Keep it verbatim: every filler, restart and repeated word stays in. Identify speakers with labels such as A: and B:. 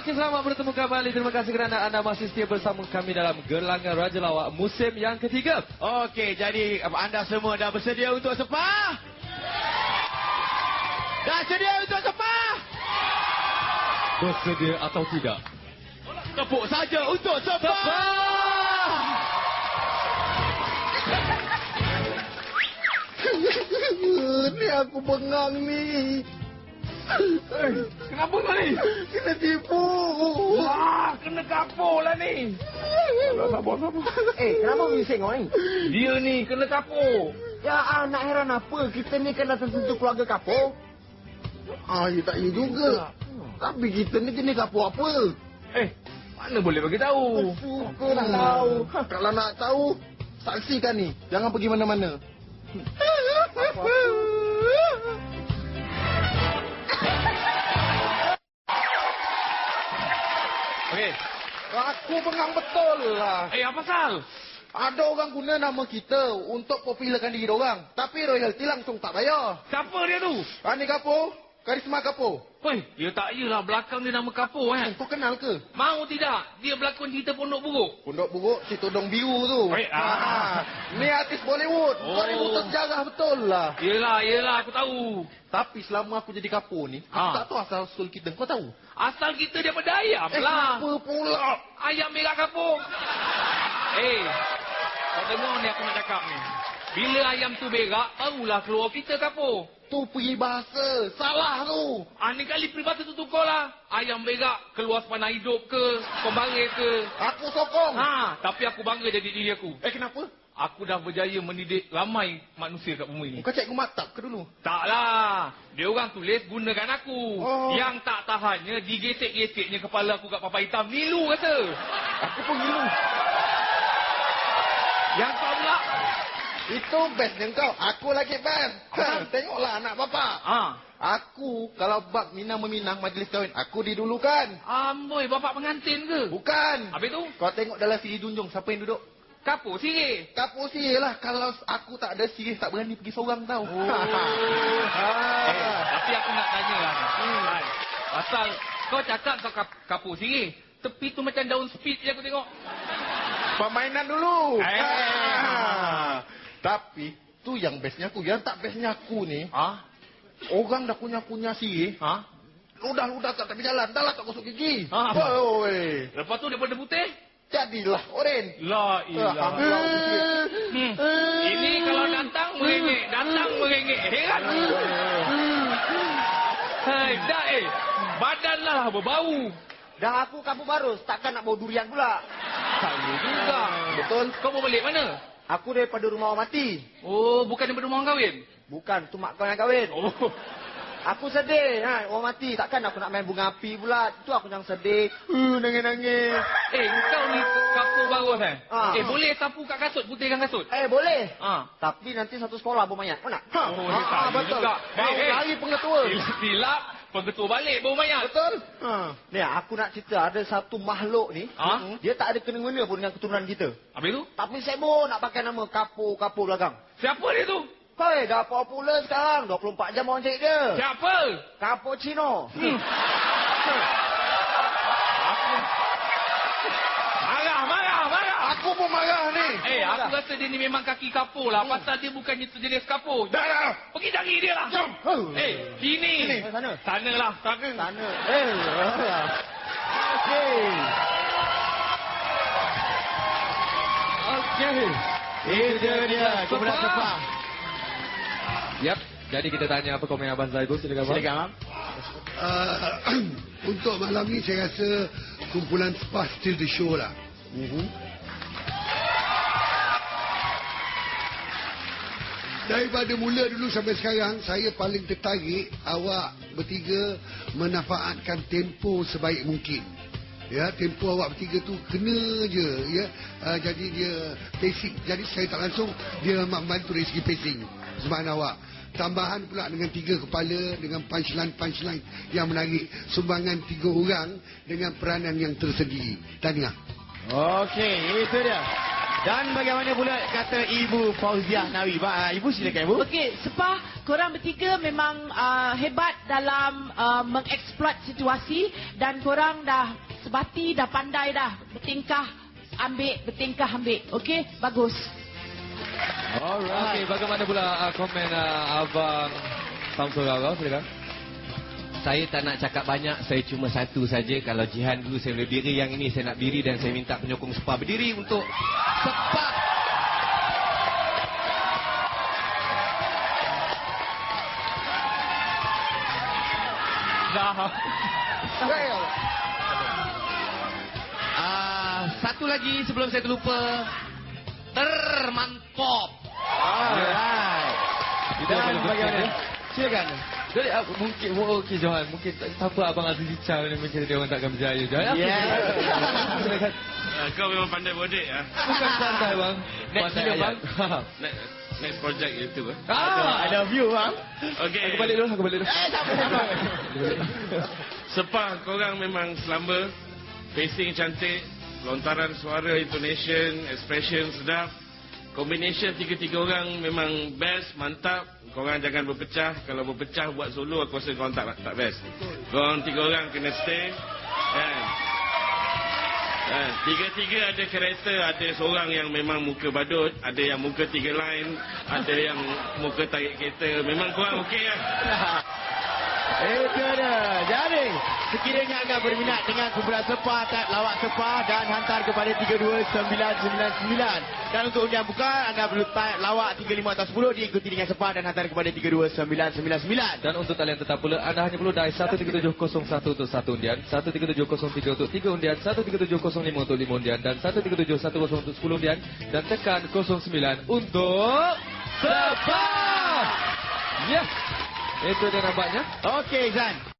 A: Okey, selamat bertemu kembali. Terima kasih kerana anda masih setia bersama kami dalam Gelangan Raja Lawak musim yang ketiga.
B: Okey, jadi anda semua dah bersedia untuk sepah? Dah sedia untuk sepah?
A: Bersedia atau tidak?
B: Tepuk saja untuk sepah!
C: Ni aku bengang ni.
B: Eh, kenapa kau ni?
C: Kena tipu.
B: Wah, kena kapur lah ni. Sabar, sabar.
C: Eh, kenapa bising kau ni?
B: Dia ni kena kapur.
C: Ya, ah, nak heran apa? Kita ni kan datang tentu keluarga kapur. Ah, ya tak ya juga. Tapi kita ni jenis kapur apa?
B: Eh, mana boleh bagi tahu?
C: Suka nak tahu. Kalau nak tahu, saksikan ni. Jangan pergi mana-mana.
B: Okey.
C: Aku bengang betul lah.
B: Eh, apa pasal?
C: Ada orang guna nama kita untuk popularkan diri orang. Tapi royalty langsung tak bayar.
B: Siapa dia tu?
C: Ani Kapur, Karisma Kapur.
B: Hoi, dia tak yalah belakang dia nama kapur kan?
C: Kau kenal ke?
B: Mau tidak? Dia berlakon cerita Pondok Buruk.
C: Pondok Buruk, si Todong Biru tu.
B: Eh, ah.
C: Ni artis Bollywood.
B: Oh.
C: Kau ni buta sejarah betul lah.
B: Yelah, yelah, aku tahu.
C: Tapi selama aku jadi kapur ni, aku
B: Ah.
C: tak tahu asal usul kita. Kau tahu?
B: Asal kita daripada ayam
C: Eh,
B: lah.
C: apa pula?
B: Ayam merah kapur. Eh, kau dengar ni aku nak cakap ni. Bila ayam tu berak, barulah keluar kita kapur.
C: Tu peribahasa. Salah tu.
B: Ah, ni kali peribahasa tu tukar lah. Ayam berak, keluar sepanah hidup ke, pembaris ke.
C: Aku sokong.
B: Ha, tapi aku bangga jadi diri aku.
C: Eh, kenapa?
B: Aku dah berjaya mendidik ramai manusia kat bumi ni.
C: Kau cikgu maktab ke dulu?
B: Taklah. Dia orang tulis gunakan aku.
C: Oh.
B: Yang tak tahannya digesek-geseknya kepala aku kat papan hitam. Nilu kata.
C: Aku pun ngilu.
B: Yang kau pula.
C: Itu bestnya kau. Aku lagi best. Ha, tengoklah anak bapak.
B: Ha.
C: Aku, kalau bab minang meminang majlis kahwin, aku didulukan.
B: Amboi, bapak pengantin ke?
C: Bukan.
B: Habis tu?
C: Kau tengok dalam siri junjung, siapa yang duduk?
B: Kapur sirih.
C: Kapur sirih lah. Kalau aku tak ada sirih, tak berani pergi seorang tau.
B: Oh. Eh, tapi aku nak tanya lah. Hmm. Pasal kau cakap kau kap kapur sirih. Tepi tu macam daun speed je aku tengok.
C: Permainan dulu.
B: Eh.
C: Ha. Tapi, tu yang bestnya aku. Yang tak bestnya aku ni,
B: Ha?
C: orang dah kunyah-kunyah sirih.
B: Ha?
C: Ludah-ludah kat tepi jalan. Dah lah tak gosok gigi.
B: Ha.
C: Oi.
B: Lepas tu daripada putih?
C: Jadilah oren.
B: La ilah. Hmm. Ini kalau datang merengek, datang merengek. Heran. Hai, dah eh. Badanlah berbau.
D: Dah aku kampung barus, takkan nak bawa durian pula.
B: Saya juga.
C: Betul.
B: Kau mau balik mana?
D: Aku daripada rumah orang mati.
B: Oh, bukan daripada rumah orang kahwin?
D: Bukan, tu mak kau yang kahwin.
B: Oh.
D: Aku sedih, ha, orang mati. Takkan aku nak main bunga api pula. Itu aku yang sedih. Uh, nangis-nangis.
B: Eh, kau ni kapur barus eh?
D: Ah.
B: Eh, boleh sapu kat kasut, putihkan kasut?
D: Eh, boleh.
B: Ah.
D: Tapi nanti satu sekolah bawa mayat. Kau nak?
C: Ha.
B: Oh,
C: Ha,
B: dia tak
C: betul.
B: juga.
C: Bau
B: Eh, eh.
C: dari pengetua.
B: Silap, pengetua balik bau mayat.
C: Betul.
D: Ha. Ni, aku nak cerita. Ada satu makhluk ni.
B: Ah?
D: Dia tak ada kena-mengena pun dengan keturunan kita.
B: Habis tu?
D: Tapi sibuk nak pakai nama kapur-kapur belakang.
B: Siapa dia tu?
D: Hei, dah popular sekarang. dua puluh empat jam orang cari dia.
B: Siapa?
D: Cappuccino.
B: Hmm. Aku... Marah, marah, marah.
C: Aku pun marah ni.
B: Eh, aku rasa dia ni memang kaki kapur lah. Pasal dia bukannya sejenis kapur.
C: Dah dah.
B: Pergi cari dia lah.
C: Jom.
B: Eh, sini.
C: Sini.
D: Eh, sana.
B: Sana lah. Sana.
D: Sana. Eh. Okey.
A: Okey.
C: Itu dia. Kemudian sepah.
A: Yap. Jadi kita tanya apa komen Abang Zaidul. Silakan Abang.
B: Silakan, Abang.
E: Uh, untuk malam ni saya rasa kumpulan Spa still the show lah.
C: Mhm.
E: Daripada mula dulu sampai sekarang, saya paling tertarik awak bertiga memanfaatkan tempo sebaik mungkin. Ya, tempo awak bertiga tu kena je, ya. Uh, jadi dia pacing. Jadi saya tak langsung dia membantu dari segi pacing sumbangan awak. Tambahan pula dengan tiga kepala, dengan punchline-punchline yang menarik. Sumbangan tiga orang dengan peranan yang tersendiri. Tahniah.
C: Okey, itu dia. Dan bagaimana pula kata Ibu Fauziah Nawi? Ba, Ibu silakan Ibu.
F: Okey, Sepah, korang bertiga memang uh, hebat dalam uh, mengeksploit situasi dan korang dah sebati, dah pandai dah bertingkah ambil, bertingkah ambil. Okey, bagus.
A: Alright. Okey, bagaimana pula uh, komen uh, Abang Samsul Rara? Silakan.
G: Saya tak nak cakap banyak, saya cuma satu saja. Kalau Jihan dulu saya boleh berdiri, yang ini saya nak berdiri dan saya minta penyokong Sepah berdiri untuk Sepah.
B: Dah.
G: Ah, satu lagi sebelum saya terlupa. Termantap.
C: Alright.
A: Kita
C: Dan
A: boleh
C: bagaimana?
A: berkata.
C: Silakan.
A: Jadi uh, mungkin oh, okey Johan, mungkin tak apa Abang Aziz Icha ni mungkin dia orang takkan berjaya. Johan.
C: Yeah.
A: Silakan.
H: Uh, kau memang pandai bodek ah.
A: Bukan santai bang.
G: Next
A: Pandai
G: video,
A: ayat.
H: Next, next project YouTube ah.
A: Ah,
C: I love you, bang.
H: Okey.
A: aku balik dulu, aku balik dulu.
C: Eh, tak apa.
H: Sepah korang memang selamba. Pacing cantik, lontaran suara, intonation, expression sedap. Combination tiga-tiga orang memang best, mantap. Korang jangan berpecah. Kalau berpecah buat solo, aku rasa korang tak tak best. Korang tiga orang kena stay. Kan? Kan? Tiga-tiga ada karakter. Ada seorang yang memang muka badut, ada yang muka tiga line, ada yang muka tarik kereta. Memang korang okey lah.
C: Itu dia. Jadi, sekiranya anda berminat dengan kumpulan Sepah, tap lawak Sepah dan hantar kepada tiga dua sembilan sembilan sembilan. Dan untuk undian buka, anda perlu tap lawak tiga lima atau sepuluh diikuti dengan Sepah dan hantar kepada tiga dua sembilan sembilan sembilan.
A: Dan untuk talian tetap pula, anda hanya perlu dial satu tiga tujuh kosong satu untuk satu undian, satu tiga tujuh kosong tiga untuk tiga undian, satu tiga tujuh kosong lima untuk lima undian, dan satu tiga tujuh satu kosong untuk sepuluh undian, dan tekan kosong sembilan untuk Sepah. Ya, itu dia nampaknya.
C: Okey, Zan.